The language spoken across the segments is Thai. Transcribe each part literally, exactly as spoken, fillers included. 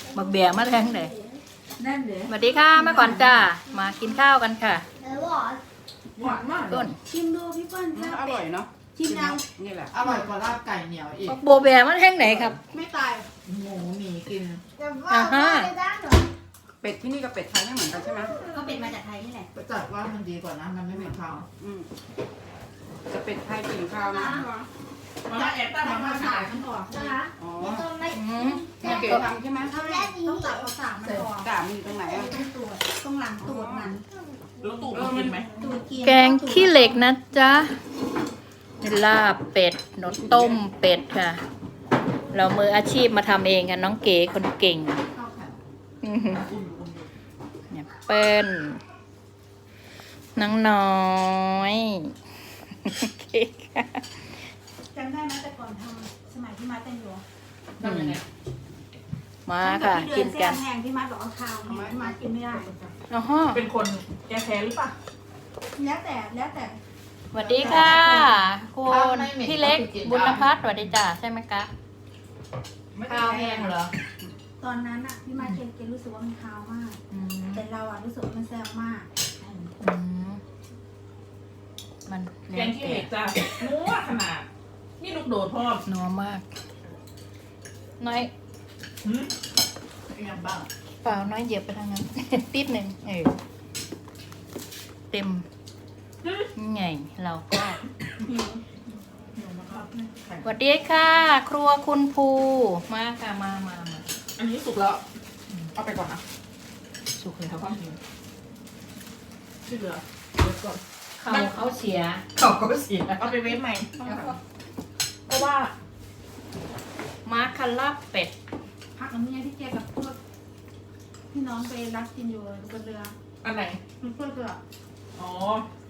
บักเบียมาแทงเลยนั่นเดี๋ยวสวัสดีค่ะมาก่อนจ้ามากินข้าวกันค่ะหวานมากต้นชิมดูพี่เปิ้ลอร่อยเนาะชิมยังนี่แหละอร่อยกว่าลาบไก่เหนียวอีกบักโบเบียมาแทงไหนครับไม่ตายหมูหมีกินอ่าฮะเป็ดที่นี่กับเป็ดไทยไม่เหมือนกันใช่ไหมก็เป็นมาจากไทยนี่แหละประจักษ์ว่ามันดีกว่านะมันไม่เหมือนเขาอืมจะเป็ดไทยกลิ่นคาวนะมาแอบตั้งมามาขายมันออกนะคะอ๋ออืมมันเก๋ทำใช่ไหมต้องตัดเอาสามมันออกกามันอยู่ตรงไหนอ่ะต้องตูดตรงหลังตูดมันแล้วตู่มันกินไหมตูดกินแกงขี้เหล็กนะจ๊ะลาบเป็ดหนดต้มเป็ดค่ะ เรามืออาชีพมาทำเองกันน้องเก๋คนเก่งเข้าค่ะอื้อหืออุ่นอุ่นอยู่เนี่ยเปิ้ลน้องน้อยโอเคค่ะจำได้ไหมแต่ก่อนทำสมัยที่มาเต้นอยู่ทำยังไงมาค่ะที่กิเดินเส้กันแห้งที่มาบอกเอาข้าวเนี่ยที่มากินไม่ได้อ๋อฮะเป็นคนแก้แค้นหรือเปล่าแล้วแต่แล้วแต่สวัสดีค่ะคุณพี่เล็กบุญพัฒน์สวัสดีจ้าใช่ไหมคะข้าวแห้งเหรอตอนนั้นอ่ะพี่มาเกณฑ์รู้สึกว่ามันคาวมากอืมแต่เราอ่ะรู้สึกว่ามันแซ่บมากอืมมันแกงขี้เหล็กจ้านัวขนาดนี่ลูกโดดพ่อนัวมาก น้อยหืมยังบ้างเปล่าน้อยเหยียบไปทางนั้น ติดหนึ่งเออเต็มไงเราก็หิวสวัสดีค่ะ ครัวคุณภูมาค่ะมามามาอันนี้สุกแล้วเอาไปก่อนนะสุกเลยเขาครับก็กินที่เหลือเดี๋ยวก่อนเขาเขาเสียเขาก็เสียเอาไปเว้นใหม่เพราะว่ามาคาราเป็ดพักน้ำเนี่ยที่แกกับพวกพี่น้องไปรับกินอยู่บนเรืออันไหนมันเพื่อเรืออ๋อ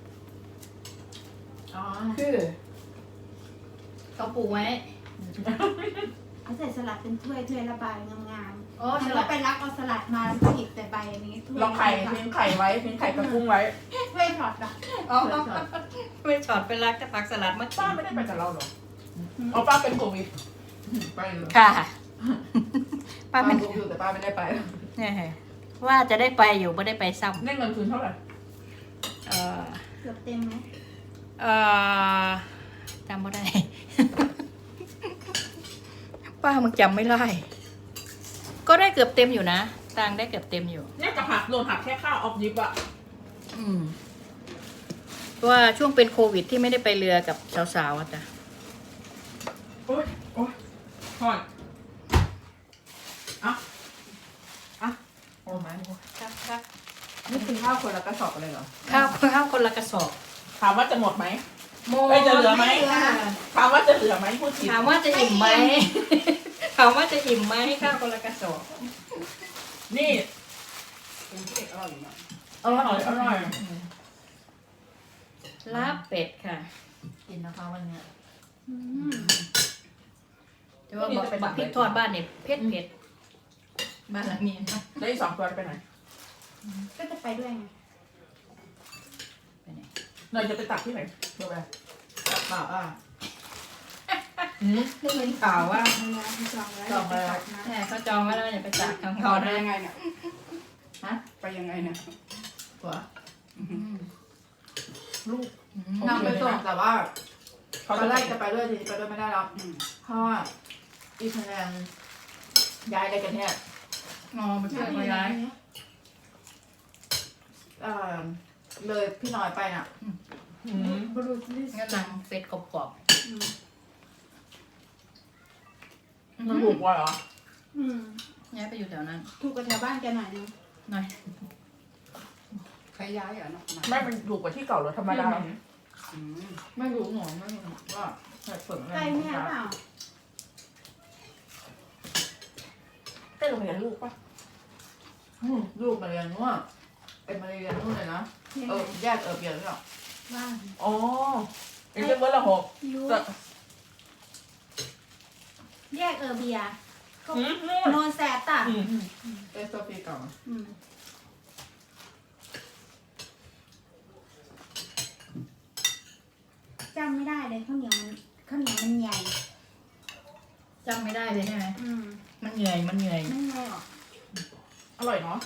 อ๋อคือเขาปลูกไว้เขาใส่สลัดเป็นถ้วยถ้วยละใบงามอ๋อๆสแล้วลัก็ดไปรับเอาสลัดมาแล้วก็หยิบแต่ใบอันนี้ถ้วยลองไข่ทิ้งไข่ไว้ทิ้งไข่กับกุ้งไว้ถ้วยช็อตอ่ะอ๋อไม่ช็อตเป็นรักแต่ผักสลัดมาป้าไม่ได้ไปกับเราหรอเอาป้าเป็นโควิดไปเลยค่ะป้าป้าเป็นรู้อยู่แต่ป้าไม่ได้ไปเนี่ยว่าจะได้ไปอยู่ไม่ได้ไปซ้ำได้เงินคืนเท่าไหร่เออเกือบเต็มไหมเออจำไม่ได้ ป้ามึงจำไม่ได้ ก็ได้เกือบเต็มอยู่นะตังค์ได้เกือบเต็มอยู่เนี่ยจะหักโดนหักแค่ค่าออฟยิปอะอืมเพราะว่าช่วงเป็นโควิดที่ไม่ได้ไปเรือกับสาวๆอะจ้ะโอ๊ยโอ๊ยถอนอ่ะอ่ะโอ้ไหมครับครับนี่คือข้าวคนละกระสอบเลยเหรอข้าวข้าวคนละกระสอบถามว่าจะหมดไหมโมเอ้ยจะเหลือไหมถามว่าจะเหลือไหมพูดผิดถามว่าจะอิ่มไหม ถามว่าจะอิ่มไหมข้าวคนละกระสอบนี่เป็นเด็กอร่อยอยู่เนาะอร่อยอร่อยลาบเป็ดค่ะกินนะคะวันนี้อืมแต่ว่าบอกบอกพริกทอดบ้านเนี่ยเผ็ดเผ็ดบ้านหลังนี้นะแล้วอีกสองตัวไปไหนก็จะไปด้วยไงไปไหนเนยจะไปตักที่ไหนเพื่อไปเปล่าอ่ะอืมได้ยินข่าวว่าเวลาที่จองไว้จองไว้ตัดนะแม่เขาจองไว้แล้วอย่าไปจากทางต่เขาอนะได้ยังไงเนี่ยฮะไปยังไงเนี่ยตัวอืมลูกอืมนั่งไปส่งแต่ว่าเขาตจะอนแรไล่กจะไปด้วยทีนี้ไปด้วยไม่ได้แล้วอืมเพราะว่าอีคะแนนย้ายอะไรกันเนี่ยอ๋อไปช่วยเขาย้ายเอ่อเลยพี่น้อยไปน่ะอืมบรูซลิสงั้นหนังเป็ดกรอบอืมๆมันถูกกว่าเหรออืมย้ายไปอยู่แถวนั้นถูกกับแถวบ้านแกหน่อยนึงหน่อยใครย้ายเหรอเนาะไม่เป็นถูกกว่าที่เก่าหรือธรรมดาอืมไม่รู้หนูไม่รู้ว่าใส่ผลอะไรใกล้แม่เปล่าใกล้โรงเรียนลูกปะอืมลูกมาเรียนนู่นเป็นมาเรียนนู่นเลยนะยังเอไงอแยกเออเปลี่ยนหรือเปล่าบ้านอ๋อเอ็งเป็นเบอร์ละหกยูแต่แยกเออเบียร์อืมนู่นโนนแซตอ่ะอืมเอสโซฟีเก่าอืมจำไม่ได้เลยข้าวเหนียวมันข้าวเหนียวมันใหญ่จำไม่ได้เลยใช่ไหมอืมมันเหนื่อยมันเหนื่อยไม่ไงหรอกอร่อยเนาะ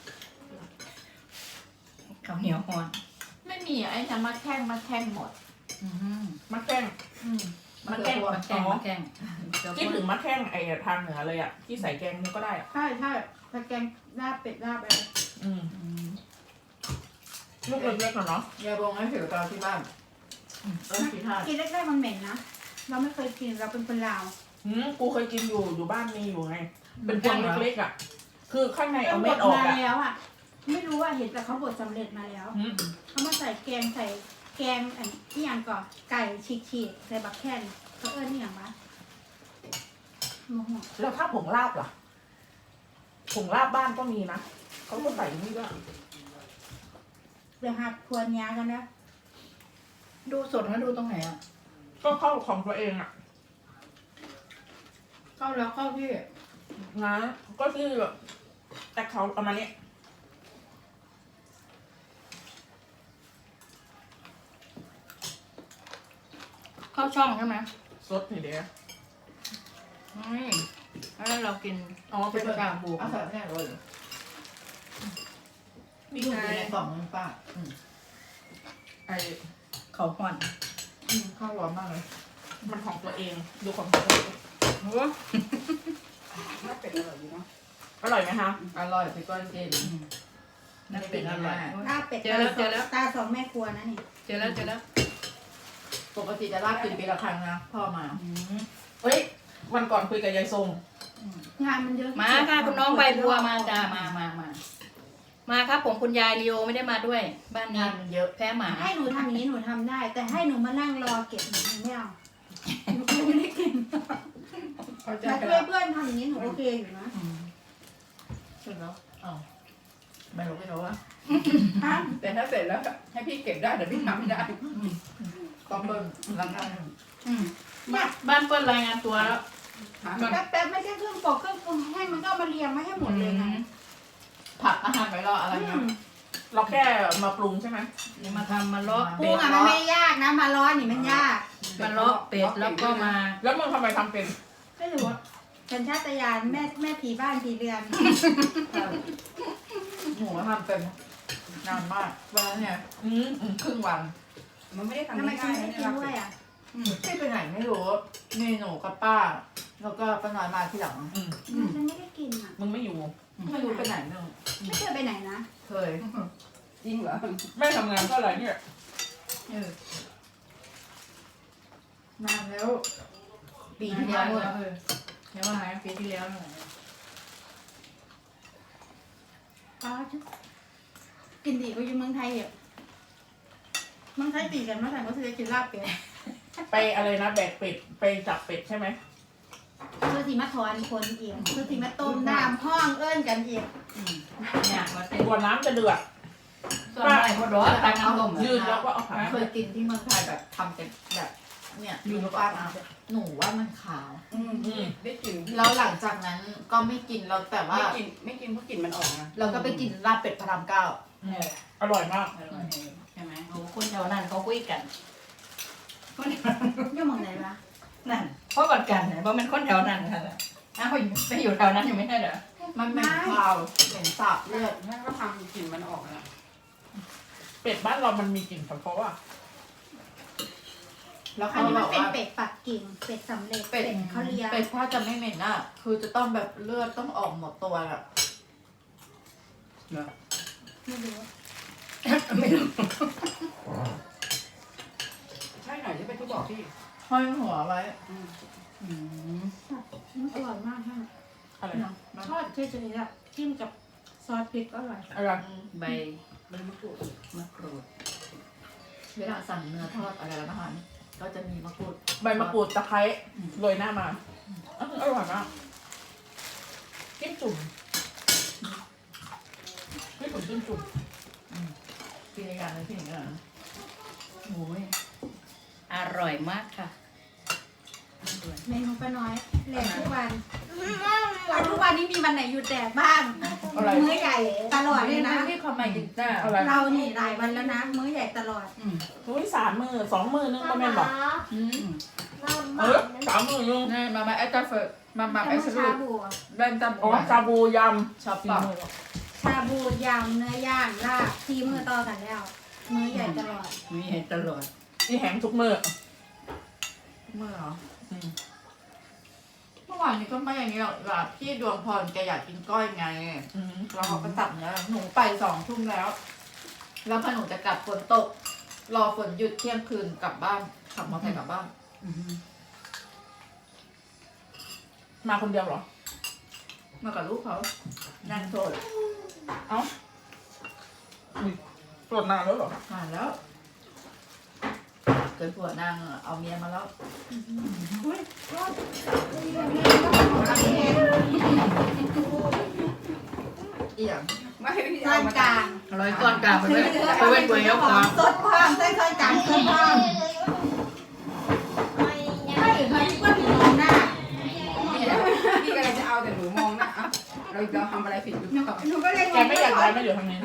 ข้าวเหนียวห่อนไม่มีไอ้จะมาแข้งมาแข้งหมดอืมมะแข้งอืมมะแข้งมะแข้งมะแข้งคิดถึงมะแข้งไอ้ทางเหนือเลยอ่ะที่ใส่แกงนี้ก็ได้อะใช่ใช่ตะแกงลาบเป็ดลาบอะไรอืมอืมลูกเล็กๆอะเนาะยายบงให้ถือตอนที่บ้านเออคิดท่ากินแรกๆมันเหม็นนะเราไม่เคยกินเราเป็นคนลาวอืมกูเคยกินอยู่อยู่บ้านมีอยู่ไง เป็นพวงเล็กๆอ่ะ คือข้างในเอาบเม็ดดออกมาอ่ะแล้วอ่ะไม่รู้ว่าเห็นแต่เขาบดสำเร็จมาแล้วอืมเขามาใส่แกงใส่แกงอันที่อย่างก่อนไก่ฉีกๆใส่บักแคนเขาเอิ้นนี่อย่างวะโมโหแล้วถ้าผงลาบล่ะผงลาบบ้านก็มีนะเขาก็ใส่นี่ด้วยเดี๋ยวหัดควรยากันนะดูสดนะดูตรงไหนอ่ะก็เข้าของตัวเองอ่ะเข้าแล้วเข้าที่นะก็คือแต่เขาเอามาเนี้ยเข้าช่องใช่ไหมสดนี่เดียวไม่แล้วเรากินอ๋อเป็นกากบูเอาใส่แน่เลยมีลูกไงอยู่ในกล่องนึงป้าอืมไอ้เขาห่อนอืมข้าวร้อนมากเลยมันของตัวเอง ดูของตัวเองโอ้น่าเป็ดอร่อยดีเนาะอร่อยไหมคะอร่อยพี่ก้อนเจนน่าเป็นอร่อยลาบเป็ดเจอแล้วเจอแล้วตาสองแม่ครัวนะนี่เจอแล้วเจอแล้วปกติจะลาบกินปีละครั้งนะพ่อมาอืมเฮ้ยวันก่อนคุยกับยายทรงงานมันเยอะมาค่ะคุณน้องใบบัวมาจ้ามามามามาครับผมคุณยายลีโอไม่ได้มาด้วย บ้านงานี้นมันเยอะแพ้หมาให้หนูทำอย่างนี้หนูทำได้ แต่ให้หนูมานั่งรอเก็บหนูไม่เอาหนูไม่ได้กินเขาใจมาช่วยเพื่อนทำอย่างนี้หนูโอเคอยู่นะอืมเสร็จแล้วอ้าวไม่รู้ไม่รู้ว่าฮะแต่ถ้าเสร็จแล้วให้พี่เก็บได้แต่พี่ทำไม่ได้ต้องเบิ่งหลังนั้นอืมบ้านบ้านเปิ้ลรายงานตัวแล้วแป๊บแป๊บๆไม่ใช่เครื่องปอกเครื่องปรุงแห้งมันก็เอามาเรียงมาให้หมดเลยนะผักอาหารไว้รออะไรอืเงี้ยมเราแค่มาปรุงใช่ไหมนี่มาทำมาเลาะปรุเป็งดอ่ะมันไม่ยากนะ มาร้อนนี่มันยากมาเลาะเป็ดแล้วก็มาแล้วมึงทำไมทำเป็นไม่รู้อะสัญชาตญาณแม่แม่ผีบ้านผีเรือนหมูทำเป็นนานมากวันนั้นเนี่ยอืมอืมครึ่งวันมันไม่ได้ทำทำไมง่ายกินๆไม่นะได้เนี่ยกินด้วยอ่ะพี่ไปไหนไม่รู้มีหนูกับป้า แล้วก็ป้าน้อยมาทีหลังอืมฉันไม่ได้กินอ่ะมึงไม่อยู่ไม่รู้ไปไหนนึงไม่เคยไปไหนนะเคยจริงเหรอแม่ทำงานก็อะไรเนี่ยเออนานแล้ว ปีที่แล้วเออะอเดี๋ยวว่าไงปีที่แล้วหน่อยอ๋อกินดีกว่าอยู่เมืองไทยอ่ะเมืองไทยตีกันเมื่อไหร่ก็จะกินลาบเป็ดไปอะไรนะแบกเป็ดไปจับเป็ดใช่ไหมเพื่อที่มาถอนคนเองเพื่อที่มาต้มน้ำห้องเอิ้นกันเองอืมเนี่ยมาเต้นกว่าน้ำจะเดือดส่วนใหญ่พอร้อนตักน้ำต้มยืนแล้วก็เอาขาเคยกินที่เมืองไทยแบบทำเป็นแบบ เนี่ยยูนป้ามาหนูว่ามันขาวอืมได้กลิ่นแล้วหลังจากนั้นก็ไม่กินเราแต่ว่าไม่กินไม่กินเพราะกลิ่นมันออกนะเราก็ไปกินลาบเป็ดพระรามเก้าเอออร่อยมากอร่อยใช่ไหมโอ้คนแถวนั้นเขาคุยกันคนแถวอยู่เมืองไหนวะนั่นเพราะกันกันเพราะมันคนแถวนั้นค่ะอ้าวไปอยู่แถวนั้นอยู่ไม่ใช่เหรอมันเหม็นคาวเหม็นสาบเลือดแม่ก็ทำกลิ่นมันออกนะเป็ดบ้านเรามันมีกลิ่นเฉพาะอ่ะแล้วอัเขานนี้บมันอกเป็นว่าเป็ดปักกิ่งเป็ดสำเร็จเป็ดเขาเลี้ยงเป็ดถ้าจะไม่เหม็นอ่ะ คือจะต้องแบบเลือดต้องออกหมดตัวอ่ะไม่รู้ไม่รู้ใช่หน่อยที่เป็นที่บอกพี่ห้อยหัวไว้อืมอืมมันอร่อยมากค่ะอะไรนะทอดเฉยๆอะจิ้มกับซอสพริกก็อร่อยอะไรใบใบมะกรูดมะกรูดเวลาสั่งเนื้อทอดอะไรแล้วนะคะก็จะมีมะกรูดใบมะกรูดตะไคร้โรยหน้ามาอื้ออร่อยมากจิ้มจุ่มพี่ผมจิ้มจุ่มกินในการเลยพี่หนิงอ่ะโอ้ยอร่อยมากค่ะเมนูป้าน้อยแหลกทุกวันวันทุกวันนี้มีวันไหนหยุดแดกบ้างอะไรมื้อใหญ่ตลอดเลยนะที่เขามากินจ้าอะไรเรานี่หลายวันแล้วนะ มื้อใหญ่ตลอดอืมอุ้ยสามมือสองมือนึงก็แม่นบอกอืมเออสามมือนึงนี่มามาแอตตาเฟิร์มามาไปแล้วสชารุปบูอะแว่นจับอ๋อชาบูยชอบำปะชาบูยำเนื้อย่างลาบทีมือต่อกันแล้ว มื้อใหญ่ตลอดมีเห็นตลอดที่แหงทุกมื้อเมื่อเหรออืมเมื่อวานนี้ก็ไม่อย่างนี้หรอกแบบพี่ดวงพรแกอยากกินก้อยไงอืมเราก็ตัดเนื้อหนูไปสองทุ่มแล้ว แล้วพอหนูจะกลับฝนตก รอฝนหยุดเที่ยงคืนกลับบ้านขับมอเตอร์ไซค์กลับบ้านมาคนเดียวเหรอมากับลูกเขานั่งโสดเอ้าตรวจนานแล้วเหรอผ่านแล้วเกิดผัวนางเอาเมียมาแล้ว อีหยังไม่พี่ซ่อเอานมากลางร้อยก้อนกลางไปเลยไปเว้นกวยแล้วครับสดความใส่ซ่อนกลางสดความไม่ถึงใครที่ว่าถึงมองหน้าพี่ก็เลยจะเอาแต่หนูมองหน้าอ่ะเราเราทำอะไรผิดหรือหนูเปล่าหนูก็เลยแกไม่อยากย้ายมาอยู่ทางนี้นะ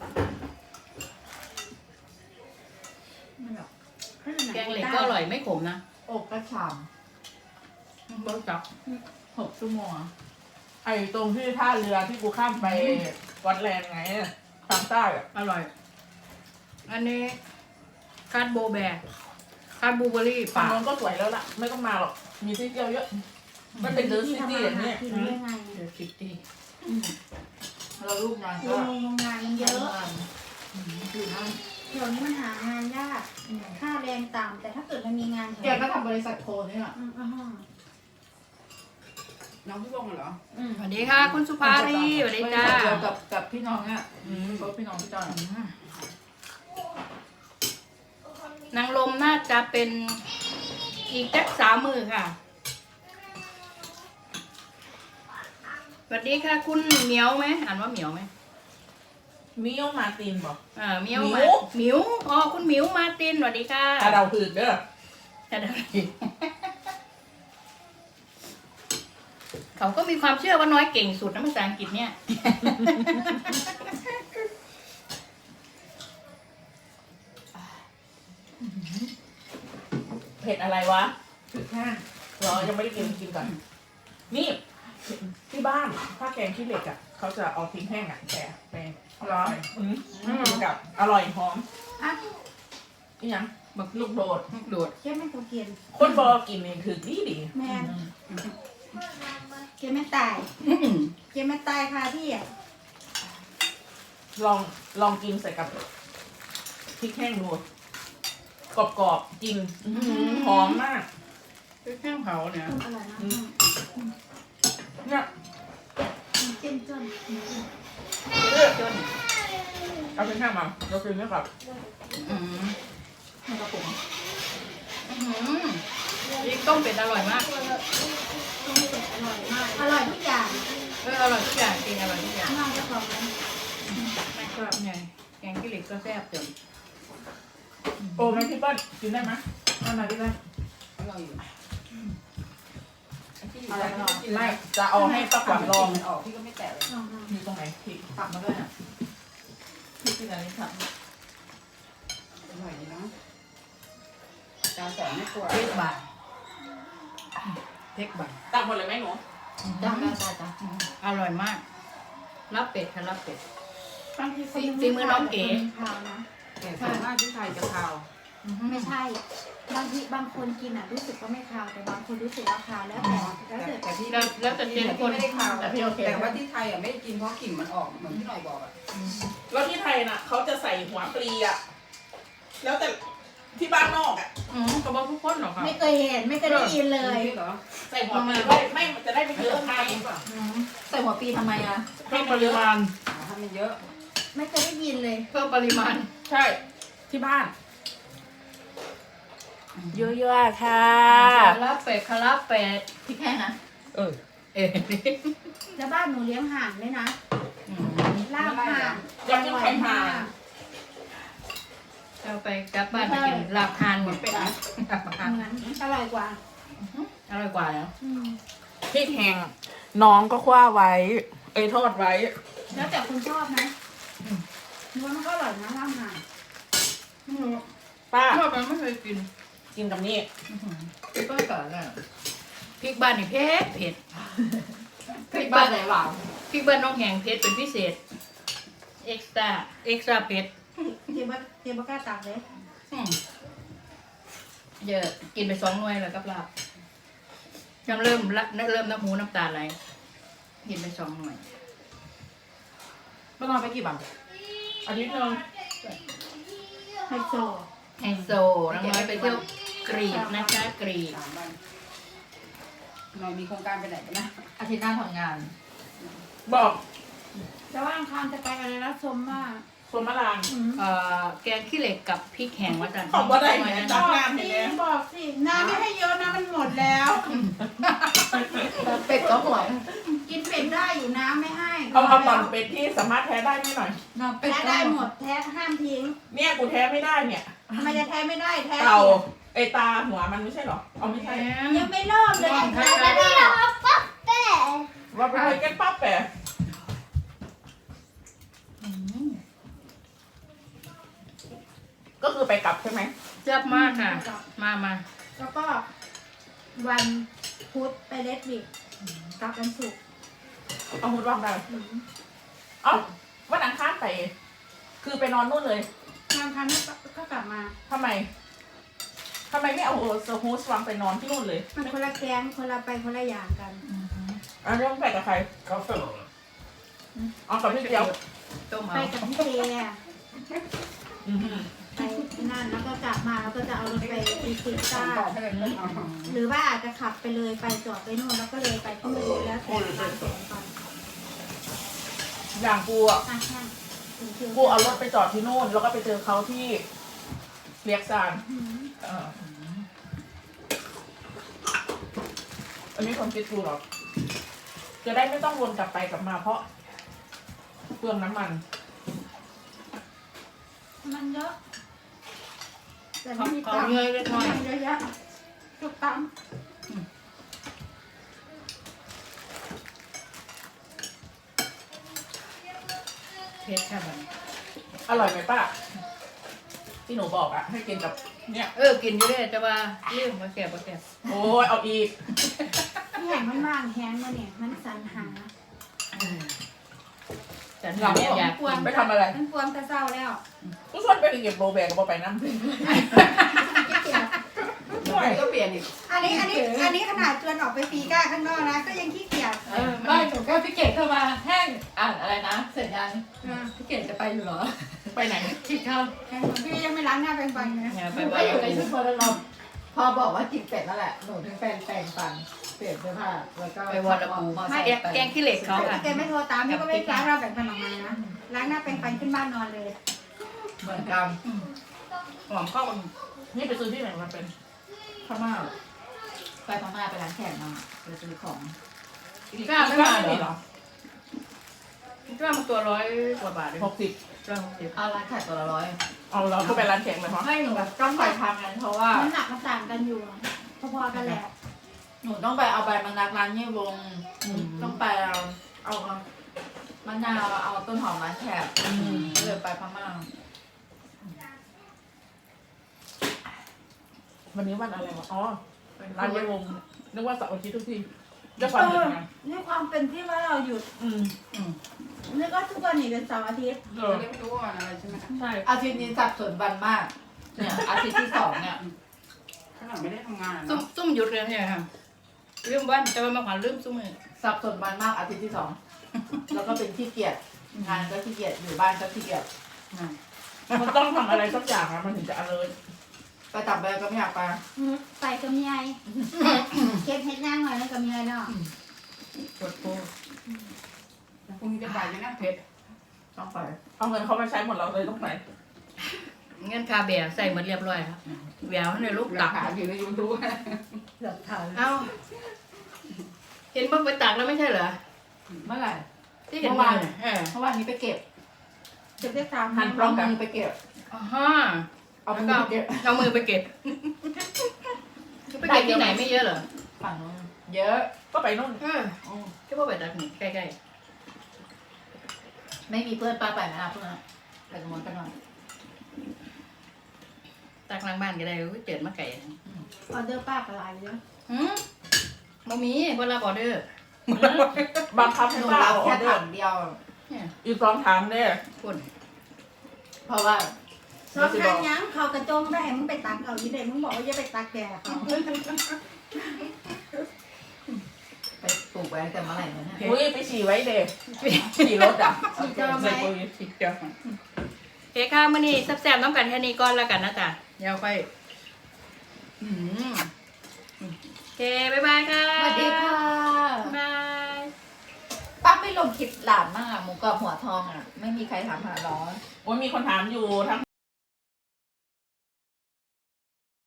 ไม่หรอกแกงเหล็กก็อร่อยไม่ขมนะอกกระฉ่เบิร์จับำหกชั่วโมงอะไอ้ตรงที่ท่าเรือที่กูข้ามไปวัดแลนด์ไงทางใต้อะอร่อย อันนี้คาดโบแบกคาดบลูเบอร์รี่ฝั่ป่างโน้นก็สวยแล้วล่ะ ไม่ต้องมาหรอก มีที่เที่ยวเยอะ มันเป็นเดอะซิตี้อย่างเนี้ยกินได้ไงเดี๋ยวคิดดีเราลูกนางโรก็งงานมันเยอะอยู่นั่นเดี๋ยวนี้มันหางานยาก ค่าแรงต่ำแต่ถ้าเกิดมันมีงานแกก็ทำบริษัทโคนี่แหละอืมอ่าฮะน้องพี่วงเหรออืมสวัสดีค่ะ คุณสุภารีสวัสดีจ้าบริษัทเดียวกับกับพี่น้องอ่ะเขาพี่น้องพี่จอนนางลมน่าจะเป็นอีกแจ็คสามมือค่ะ สวัสดีค่ะ คุณเหมียวไหมอ่านว่าเหมียวไหมมิโอมาร์ตินบอกอ่าเหมียวหมิวมาเหมียวอ๋อคุณเหมียวมาร์ตินสวัสดีค่ะกระเดาผืดเด้อแต่เดี๋ยวเขาก็มีความเชื่อว่าน้อยเก่งสุดนะภาษาอังกฤษเนี่ยเผ็ดอะไรวะคือแห้งเรายังไม่ได้กินกินก่อน นี่ที่บ้านถ้าแกงขี้เหล็กอ่ะเขาจะเอาพริกแห้งอ่ะแต่ไปเหรออืมกินกับอร่อยหอมอ่ะนี่ยังบักลูกโดดโดดแค่ไม่ตัวเกียนคนบอกินนี่คือดีดีแมนเกียนไม่ตายอื้อหือเกียนไม่ตายค่ะที่อ่ะลองลองกินใส่กับพริกแห้งดูกรอบๆจริงอื้อหือหอมมากคือแข้งเผาเนี่ยอร่อยนะเนี่ยเจ้มจนจนเอาพริกแห้งมาเรากินเนี่ยครับอืมมันกระปุกอื้อหือพริกต้มเป็ดอร่อยมากต้มเป็ดอร่อยมาก อร่อยทุกอย่างเอออร่อยทุกอย่างจริงอร่อยทุกอย่างน้องเจ้าของนะไม่ชอบไงแกงขี้เหล็กก็แซ่บจนโอ้แม่พี่เปิ้ลกินได้ไหมเอามาพี่แม่อร่อยอยู่ไอ้ที่อยู่อะไรใต้ไม่ที่เอาไม่จะเอาให้ป้าขวัญลองมันออกพี่ก็ไม่แตะเลยลองลองมีตรงไหนพริกตักมาด้วยอ่ะพี่กินอะไรครับอร่อยดีเนาะจานสองไม่กลัวเทคบาทเทคบาทตักหมดเลยไหมหนูจ้าจ้าจ้าจ้าอร่อยมากรับเป็ดค่ะรับเป็ดบางทีคนฝีมือน้องเก๋ขาวนะแต่ส่วนมากที่ไทยจะคาวไม่ใช่ บางทีบางคนกินอ่ะรู้สึกว่าไม่ขาวแต่บางคนรู้สึกว่าขาวแล้วแต่แล้วแต่แต่พี่แล้วแล้วแต่เจนคนไม่ได้คาวแต่พี่โอเคแต่ว่าที่ไทยอ่ะไม่ได้กินเพราะกลิ่นมันออกเหมือนที่หน่อยบอกอ่ะแล้วที่ไทยน่ะเขาจะใส่หัวปลีอ่ะแล้วแต่ที่บ้านนอกอ่ะอืมกระบอกทุกคนหรอคะไม่เคยเห็นไม่เคยได้ยินเลยจริงเหรอใส่หัวปลีด้วยไม่มันจะได้ไม่เยอะไงใส่หัวปีทำไมอ่ะเพิ่มปริมาณอ๋อถ้ามันเยอะไม่เคยได้ยินเลยเพิ่มปริมาณใช่ที่บ้าน เยอะๆค่ะคาราเป็ดคาราเป็ดพริกแห้งนะเออเอ๊ะแล้วบ้านหนูเลี้ยงห่านด้วยนะอืมลาบห่านอยากกินไข่ห่านเอาไปกลับบ้านไปกินลาบทานหมดเป็ดนะลาบทานเหมือนอร่อยกว่าอร่อยกว่าแล้วอืมพริกแห้งน้องก็คว้าไว้ เอ้ยทอดไว้แล้วแต่คนชอบนะหนูว่ามันก็อร่อยนะลาบห่านป้าชอบมันไม่เคยกินกินกับนี่อื้อหือพี่เปิ้ลก่อนเลยพริกบ้านนี่เผ็ดเผ็ดพริกบ้านไหนหวานพริกบ้านน้องแหงเผ็ดเป็นพิเศษเอ็กซ์ตร้าเอ็กซ์ตร้าเผ็ดเทียบเทียบกล้าตักเลยอืมเยอะกินไปสองหน่วยแล้วกับลาบยังเริ่มละเริ่มน้ำหูน้ำตาไหลกินไปสองหน่วยเมื่อนอนไปกี่บาทอาทิตย์หนึงไฮโซไฮโซน้องน้อยไปเที่ยวกรีกนะคะกรีกสามวันหน่อยมีโครงการไปไหนกันนะอาทิตย์หน้าทำงานบอกแต่ว่าอังคารจะไปอะไรนะชมมากสวนมะลางอืมเอ่อแกงขี้เหล็กกับพริกแห้งวัดจันทร์ขอบว่าได้ไหมนะตับกอกน้ำสิเห็นไหมบอกสิน้ำไม่ให้เยอะนะมันหมดแล้วเป็ดก็หวยกินเป็ดได้อยู่น้ำไม่ให้เอาเอาตอนเป็ดที่สามารถแท้ได้ไหมหน่อยน้ำเป็ดแท้ก็ได้หมดแท้ห้ามทิ้งเนี่ยกูแท้ไม่ได้เนี่ยทำไมจะแท้ไม่ได้แท้เต่าไอตาหัวมันไม่ใช่เหรอเอาไม่ใช่ยังไม่เริ่มเลยแท้ไม่ได้ว่าไปเลยแกงปั๊บแปะอืมก็คือไปกลับใช่ไหมแซ่บมากค่ะ มามาแล้วก็วันพุธไปเลสวิกกลับวันศุกร์เอาหุ่นวางได้อืมเอ้าวันอังคารไป คือไปนอนนู่นเลยงานคันก็กลับมาทำไมทำไมไม่เอาสฮูสวางไปนอนที่นู่นเลยมันคนละแก๊งคนละไปคนละอย่างกันอ่ะเรื่องไปกับใครเขาฝึกเอากับพี่เดียวต้มไปเอากับพี่เจอะอือหือไปนั่นแล้วก็กลับมาแล้วก็จะเอารถไปตีซิต้าต่อให้เลยเอาหรือว่าอาจจะขับไปเลยไปจอดไปนู่นแล้วก็เลยไปที่นู่นแล้วแต่ตามแผนก่อนอย่างกูอ่ะอ่ะใช่ถึงคิวกูเอารถไปจอดที่นู่น แล้วก็ไปเจอเขาที่เรียกซานอืมเอออันนี้ความคิดกูหรอกจะได้ไม่ต้องวนกลับไปกลับมาเพราะเปลืองน้ำมันมันเยอะ แต่ขอไม่มีขอตังค์เงยเล็กน้อยมันเยอะแยะทุกตังค์เผ็ดค่ะมันอร่อยไหมป้าที่หนูบอกอ่ะ ให้กินกับเนี่ยเออกินอยู่เลยแต่ว่าเรื่องมาแก่มาแก่โอ้ยเอาอีกที่แห่งมันว่างแฮงมาเนี่ยมันสรรหาฉันอยากอยากกินไปทำอะไรมันกวนแต่เศร้าแล้วกูชวนไปเก็บโรแบกกับไปน้ำ ด้วยก็เปลี่ยนอีกอันนี้อันนี้อันนี้ขนาดชวนออกไปฟีก้าข้างนอกนะก็ยังขี้เกียจเออไม่หนูก็พี่เกดเข้ามาแห้งอ่านอะไรนะ เสร็จยังพี่เกดจะไปอยู่เหรอไปไหนกินข้าวพี่ยังไม่ล้างหน้าแปรงฟันเลยอย่าหไปนูก็ว่าอยู่ในชุดโบราณพอบอกว่ากินเป็ดนั่นแหละหนูถึงแปรงแปรงฟันเปลี่ยนเสื้อผ้าแล้วก็ไปวอดกูมอไม่ไซแกค์ไปแกงขี้เหล็กเขาค่ะแกไม่โทรตามพี่ก็ไม่ล้างหน้าแปรงฟันออกมานะล้างหน้าแปรงฟันขึ้นบ้านนอนเลยเหมือนกันหอมข้าวมันนี่ไปซื้อที่ไหนมาเป็นพม่าไปพม่าไปร้านแขกมาไปซื้อของกล้าไม่มาเหรอคิดว่ามันตัวร้อยกว่าบาทเลยหกสิบร้อยหกสิบเอาร้านแขกตัวละร้อยเอาเราก็ไปร้านแข่งเลยเพราะให้หนูแบบต้องไปทำกันเพราะว่าน้ำหนักมันต่างกันอยู่พอๆกันแหละหนูต้องไปเอาใบมะนาวร้านเยี่ยวงต้องไปเอาเอามะนาวเอาต้นหอมร้านแขกเลยไปพม่าวันนี้วันอะไรวะอ๋อร้านเยวงนึกว่าเสาร์อาทิตย์ทุกทีด้วยควาเอมเป็นองานนี่ความเป็นที่ว่าเราหยุดอืมอืมนึกว่าทุกวันนี้เป็นเสาร์อาทิตย์เออจะได้ไม่รู้ว่าอะไรใช่ไหมใช่อาทิตย์นี้สับสนวันมาก เนี่ยอาทิตย์ที่สองเนี่ยขนาดไม่ได้ทำงานซุ่มเนาะซุ่มหยุดเลยใช่ไหมครับลืมวันแต่ว่ามาขวัญลืมซุ่มเลยสับสนวันมากอาทิตย์ที่สอง แล้วก็เป็นขี้เกียจงานก็ขี้เกียจอยู่บ้านก็ขี้เกียจมันต้องทำอะไรสักอย่างอะมันถึงจะ alert ไปตับใบก็ไม่อยากไปใส่กับเมียเก็บเห็ดย่างหน่อยแล้วกับเมียเนาะปวดโป้พรุ่งนี้จะไปไหมนะเผ็ดต้องไปเอาเงินเขามาใช้หมดเราเลยต้องไปเงินคาเบียร์ใส่หมดเรียบร้อยครับแหววในลูกหลัตักกฐานอยู่ในยูทูบหลักฐานเอ้าเห็นบ้างไปตักแล้วไม่ใช่เหรอเมื่อไหร่ที่เห็นเมื่อวานเออเมื่อวานนี้ไปเก็บเก็บได้สามหันปลอมมือไปเก็บอ่าฮะเอาแล้วมืก็อไปเก็บเอามือไปเก็บไปเก็บที่ไหนไม่เยอะเหรอฝั่งนู้นเยอะก็ไปนู่นเอออืมก็ว่าไปตักนี่ใกล้ไม่มีเพื่อนป้าไปไหมล่ะเพื่อนไปกับมนต์กันหน่อยๆตักหล้างบ้านก็ได้อุ๊ยเจิดมาไก่ออเดอร์ป้ากับอะไรเยอะหืมบะหมี่เวลาออเดอร์บังคับหให้นูป้ารับเอาอแค่อเดอถัร์งเดียวเนี่ยอีกสองถามเด้อคุณเพราะว่าสองทางยังเขากระจงได้มึงไปตักเอาอยู่เด็มึงบอกว่าอย่าไปตักแกเขาไปปลูกไว้ตั้งแต่เมื่อไหร่เนี่ยอุ้ยไปฉี่ไว้เด้ฉี่รถอ่ะฉีดเจอไหมใส่ปุ๋ยสิเจ้าโอเคค่ะมื้อนี้แซ่บๆน้ำกันแค่นี้ก่อนแล้วกันนะจ๊ะเดี๋ยวค่อยอืมโอเคบ๊ายบายค่ะสวัสดีค่ะบ๊ายบายป้าไม่ลงคลิปหลานมากหมูกรอบหัวทองอ่ะ ไม่มีใครถามหาร้อนโอ้ยมีคนถามอยู่ทั้ง